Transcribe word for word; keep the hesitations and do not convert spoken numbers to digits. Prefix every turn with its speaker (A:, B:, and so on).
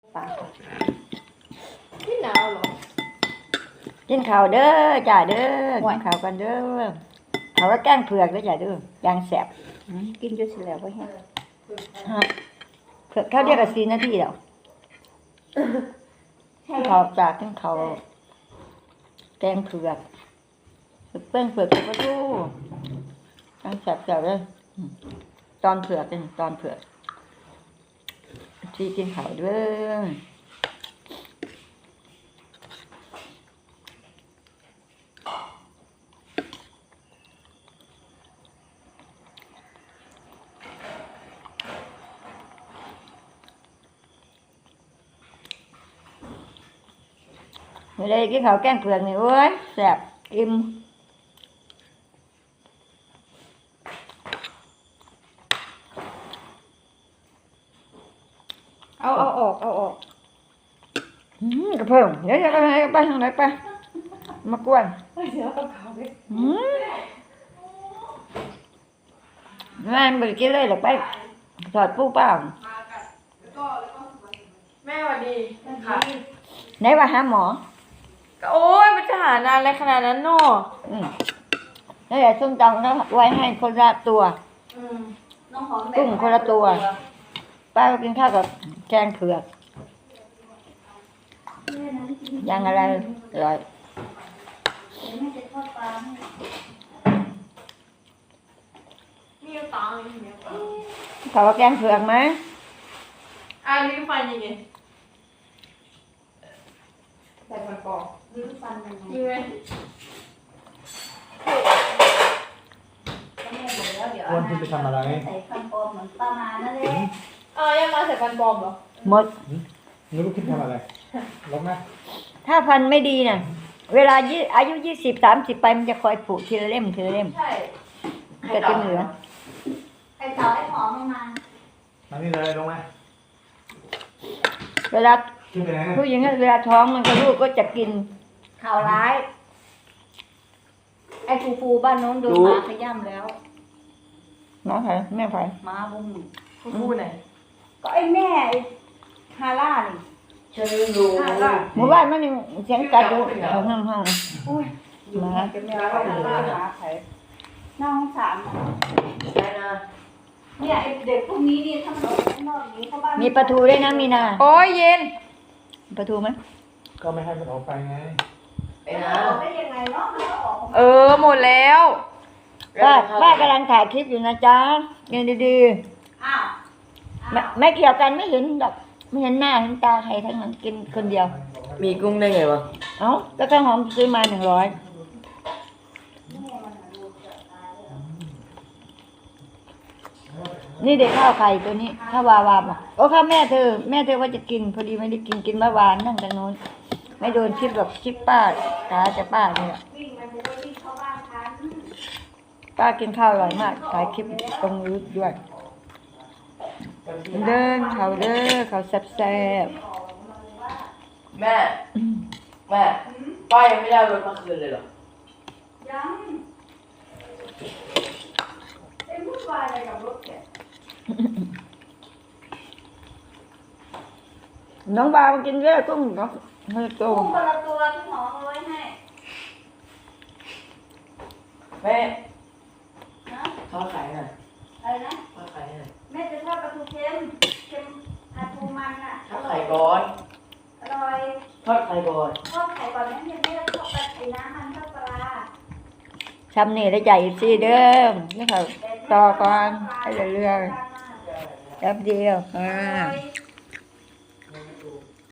A: ปลา
B: ที่หนาวเหรอ
A: กินข้าวเด้อจ่าเด้อกินข้าวกันเด้อเขาว่าแกงเผือกเด้อจ่าเด้อยางแสบกินจนเสร็จแล้วก็แห้งเผือกข้าวเดียวกับสี่นาทีแล้วกินข้าวจากกินข้าวแกงเผือกเปิ้งเผือกกับปลาทูยางแสบๆเลยตอนเผือกเป็นตอนเผือกที่กินข้าวเด้อไม่ได้กินข้าวแกงเผือกนี่โอ้ยแสบอิ่ม
B: เอาเอาออกเอาออก
A: อืมกระเพิ่งเดี๋ยวจะไปไหนไปทางไหนไปมากวน
B: เดี๋ยวเอาเขาไป
A: อืมแม่ไม่ได้กินเลยหรอกไปถอดปูเปล่า
B: แม่สวัสดีค่ะ
A: ไหนว่าหาหมอ
B: โอ้ยมันจะหานานอะไรขนาดนั้นเนาะ
A: อืมแล้วเดี๋ยวส้มตำก็ไว้ให้คนละตัวกุ้งคนละตัวป้าก็กินข้าวกับแกงเผือกยังอะไรอร่อย
B: มีตังค์อย่างเงี้ย
A: เขาว่าแกงเผือกไหม
B: อ่ะลิ้นฟันยังไงใส่ฟันปลอมลิ้นฟันยังไงยังไง
C: อ้วนที่ไปทำอะไร
D: ใส่ฟันปลอมเหมือนประมาณนั่นเลย
B: อ่ายังมาใส่ฟันปลอมเหรอ
A: หมด
C: นึกว่าคิดทำอะไรลบไหม
A: ถ้าฟันไม่ดีน่ะเวลายี่อายุยี่สิบสามสิบไปมันจะคอยผุทีละเล่มทีละเล่ม
B: ใช่
A: ก็จะเหลือ
D: ใครต่อให้หอมมา
C: มานี่เลยลงไหม
A: เวลา
C: ขึ้นไปไหน
A: ผู้หญิงเวลาท้องมันก็ลูกก็จะกิน
D: ข่าวร้ายไอ้ฟูฟูบ้านโน้นโดนหมาขย้ำแล้ว
A: น้องไผ่แม่ไผ่
D: หมาบุ้ม
B: ฟูฟูไหน
D: ก็ไอ้แม่ไอ้ฮาร่านี่
B: เชิญดู
A: หมู่บ้านมันยังเสียงกัดอยู่ห้องห้อง
D: อุ้ย
A: มา
D: จะแม่ก็หาไผ่น้องสาม
B: ใช่นะ
D: เนี่ยไอ้เด็กพวกนี้นี่ถ้ามันออกข้างนอกนี้เข้าบ้าน
A: มีปลาทูด้วยนะมีนา
B: โอ้ยเย็น
A: ปลาทูไหม
C: ก็ไม่ให้มันออกไปไง
B: ไปนะ
D: ได้ยังไงเนาะมันก็ออก
B: เออหมดแล้ว
A: ป้าป้ากำลังถ่ายคลิปอยู่นะจ๊ะยังดี
D: ๆอ้าว
A: ไม่ไม่เกี่ยวกันไม่เห็นดอกไม่เห็นหน้าเห็นตาใครทั้งนั้นกินคนเดียว
B: มีกุ้งได้ไงวะ
A: เอ้าก็ข้าวหอมซื้อมาหนึ่งร้อยนี่เด็กข้าวไข่ตัวนี้ข้าววาวาบอกโอ้ข้าวแม่เธอแม่เธอว่าจะกินพอดีไม่ได้กินกินเมื่อวานนั่งตรงโน้นไม่โดนคลิปแบบคลิปป้าตาจะป้าเนี่ยป้ากินข้าวอร่อยมากถ่ายคลิปตรงนี้ด้วยเดินเขาเด้อเขาแซ่บ
B: แม่แม่ป้ายังไม่ได้รถมาคืนเลยหรอ
D: ยังไอ้วุ่นวายอะไรกับรถแก
A: น้องบามากินเยอะกุ้งเนาะเฮ้ยโต
D: กุ้งคนละตัวที่หมอเอาไว้ให้
B: แม่
D: นะ
B: ทอดไข่หน่อย
D: อะไรนะ
B: ทอดไข่หน่อย
D: แม่จะทอดปลาทูเค็มเค็มปลาทูมันอ่ะ
B: ทอดไข่ก่อน
D: อร่อย
B: ทอดไข่ก่อน
D: ทอดไข่ก่อนนั้นยังไม่ได้ทอดปลาไอ้น้ำมันทอดปลา
A: ทำนี่ได้ใจสิเดิมนี่เขาต่อก่อนให้เรื่อยๆแป๊บเดียวอ่า